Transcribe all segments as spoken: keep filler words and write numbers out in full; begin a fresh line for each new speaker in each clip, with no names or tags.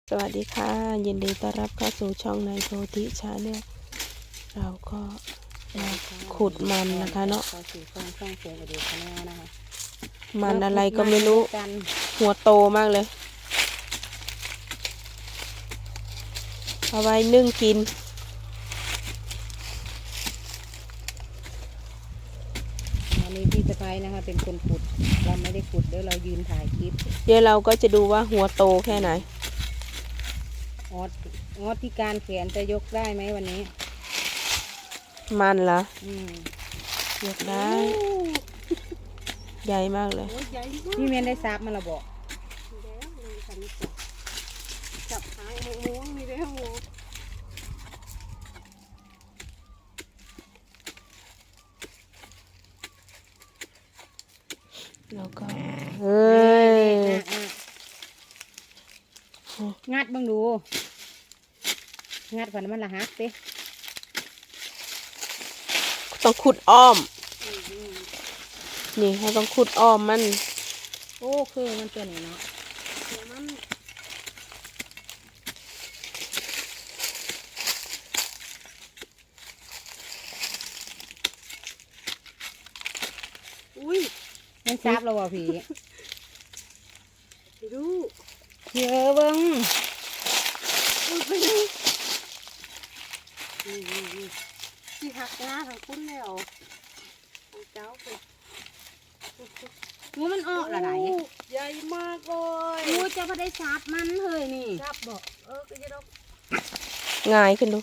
สวัสดีค่ะยินดีต้อนรับเข้าสู่ช่องนายโพธิชาแนลเราก็มาขุดมันนะคะเนาะมันอะไรก็ไม่รู้หัวโตมากเลยเอาไว้นึ่งกิน
อันนี้พี่สะพ้ายนะคะเป็นคนขุดเราไม่ได้ขุดเดี๋ยวเรายืนถ่ายคลิป
เดี๋ยวเราก็จะดูว่าหัวโตแค่ไหน
ออดออดที่การแขนจะยกได้ไหมวันนี้
มันเหรอ
อืม
ยกได้ใหญ่มากเลย
พี่เมียนได้ซับมาละบอก
จับหางหมูมีได้หมู
แล้วก็เฮ้ย
งัดบ้างดูงัดก่อนมันละฮักเต้
ต้องขุดอ้อมนี่เขาต้องขุดอ้อมมัน
โอ้คือมันตัวนี้เนาะ
มันอุ้ย
มันซับเราบ่พี่
ดู
เยอะบ้าง
อุ้ยไปดูที่หักหน้าทางคุณแล้วของเจ้าไป
งูมันออกละไหน
ใหญ่มากเลย
งูจะพอได้ซับมันเฮ้ยนี่
ซับบอกเออก็จะต้อง
ง่ายขึ้นดู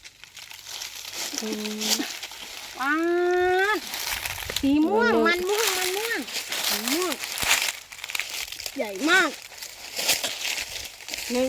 ว้าสีม่วงมันม่วงมันม่วง
สีม่วงใหญ่มากหนึ่ง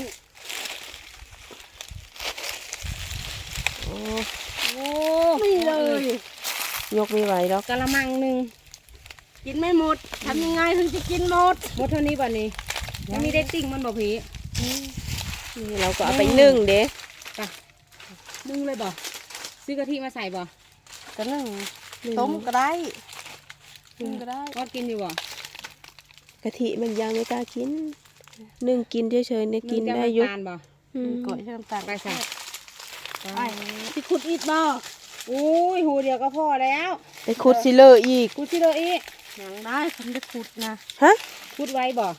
โอ้
โอ้
ไม่เลย
ยกไม่ไหวแล้ว
กะละมังหนึ่ง
กินไม่หมดทำยังไงถึงจะกินหมด
หมดเท่านี้ป่ะนี่ยังมีได้ติ่งมันบ่ผี
นี่เราก็เอาไปนึ่งเด้
ป่ะนึ่งเลยบ่ซื้อกะทิมาใส่บ่
ก็นึ่งต้มก็ได้นึ่งก็ได้
ก็กินอยู่บ่
กะทิมันยังไม่กล้ากินนึ่งกินเฉยๆเนี่ยกินได้ยุบ
ก่อยใช้น้ำตาลไปใส่
ไปที่ขุดอีกบ่
อุ้ยหูเดียวก็พอแล้ว
ไปขุดซิเลอร์อีก
ขุดซิเลอร์อีก
ยังได้ทำได้ขุดนะ
ฮะ
ขุดไว้บ่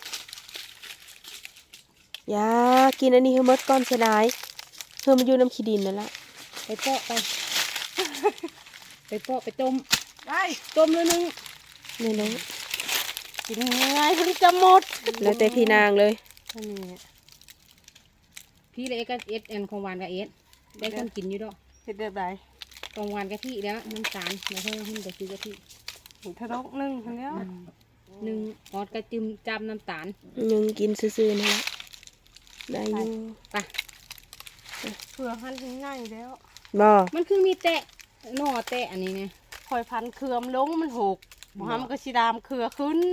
ยากินอันนี้เฮมดก้อนเสียดายเฮมมันอยู่น้ำขี้ดินนั่นแหละ
ไปเปาะไปไปเปาะไปต้ม
ได้
ต้มเลยนึง
นี่นะ
กินยังไงถึงจะหมด
แล้วแต่พี่นางเลย
นี่
พี่เลยก็เอสเอ็นของหวานกับเอสได้คนกินอยู่ดอก
เห็ดแบบไหน
ของหวานกะทิแล้วน้ำตาลแล้วเพิ่มขึ้นไปซื้อกะทิ
ทะเลาะนึ่งทั้งนี้
หนึ่งออดกระจิ้มจำน้ำตาล
หนึ่งกินซื่อๆนะได้อยู่
ไป
เผื่อพันง่ายแล้ว
บ่
มันคือมีแตะหน่อแตะอันนี้เนี่ย
คอยพันเครือมลงมันหกมันก็สีดำเครือขึ้น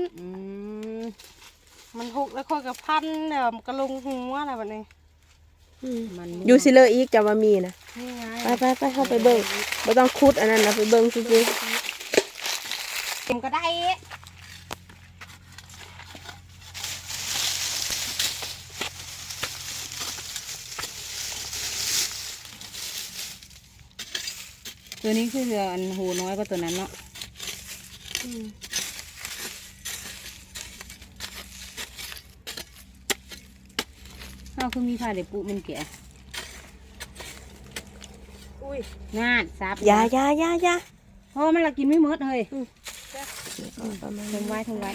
มันหกแล้วค่อยกับพันเนี่ยมันก็ลงหัวอะไรแบบนี้
อยู่ซิเลอร์อีกจะมามีนะไปไปไปเข้าไปเบิ้งไม่ต้องคุดอันนั้นนะไปเบิ้งซื้อ
เต็มก็ได้ตัวนี้คืออันหูน้อยกว่าตัวนั้นเนาะข้าวคือมีผ้าเด็บปุ๊มันแก่งานซับ
ยายายายา
เพราะมันละกินไม่หมดเลยทำไว้ทำไว้